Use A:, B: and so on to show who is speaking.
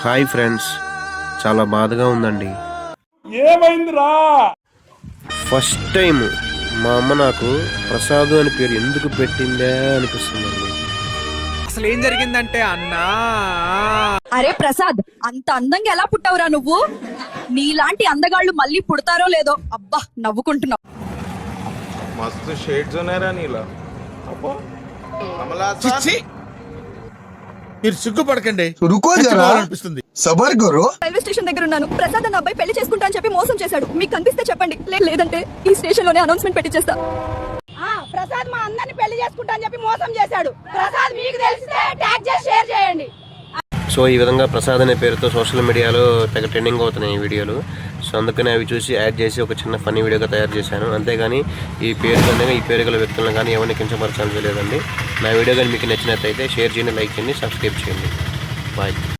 A: Hi friends, చాలా బాధగా ఉందండి.
B: ఏమైందిరా?
A: ఫస్ట్ టైం మా అమ్మ నాకు ప్రసాద్ అని పేరు ఎందుకు పెట్టిందే అనిపిస్తుందండి.
C: అసలు ఏం జరిగిందంటే అన్నా,
D: అరే ప్రసాద్, అంత అందంగా ఎలా పుట్టావురా నువ్వు? నీలాంటి అందగాళ్ళు మళ్ళీ పుడతారో లేదో. అబ్బా నవ్వుకుంటున్నావు.
E: मस्त शेड्स ఉన్నాయరా నీలా. అబ్బో
B: చిచ్చి, మీరు సిగ్గుపడకండి.
F: रुको जरा,
B: చచ్చిపోవాలనిపిస్తుంది.
F: सबर करो.
D: రైల్వే స్టేషన్ దగ్గర ఉన్నాను. ప్రసాద్ అన్న అబ్బాయి పెళ్లి చేసుకుంటా అని చెప్పి మోసం చేశాడు. మీకు కనిపిస్తే చెప్పండి, లేదంటే ఈ స్టేషన్ లోనే అనౌన్స్మెంట్ పెట్టించేస్తా.
G: ప్రసాద్ మా అందరిని పెళ్లి చేసుకుంటా అని చెప్పి మోసం చేశాడు. ప్రసాద్ మీకు తెలిస్తే ట్యాగ్ చేసి షేర్ చేయండి.
A: సో ఈ విధంగా ప్రసాద్ అనే పేరుతో సోషల్ మీడియాలో తెగ ట్రెండింగ్ అవుతున్నాయి ఈ వీడియోలు. సో అందుకని అవి చూసి యాడ్ చేసి ఒక చిన్న ఫన్నీ వీడియోగా తయారు చేశాను. అంతేగాని ఈ పేరు గల వ్యక్తులను కానీ ఎవరిని కించపరచాలని లేదండి. నా వీడియో కానీ మీకు నచ్చినట్లయితే షేర్ చేయండి, లైక్ చేయండి, సబ్స్క్రైబ్ చేయండి. బాయ్.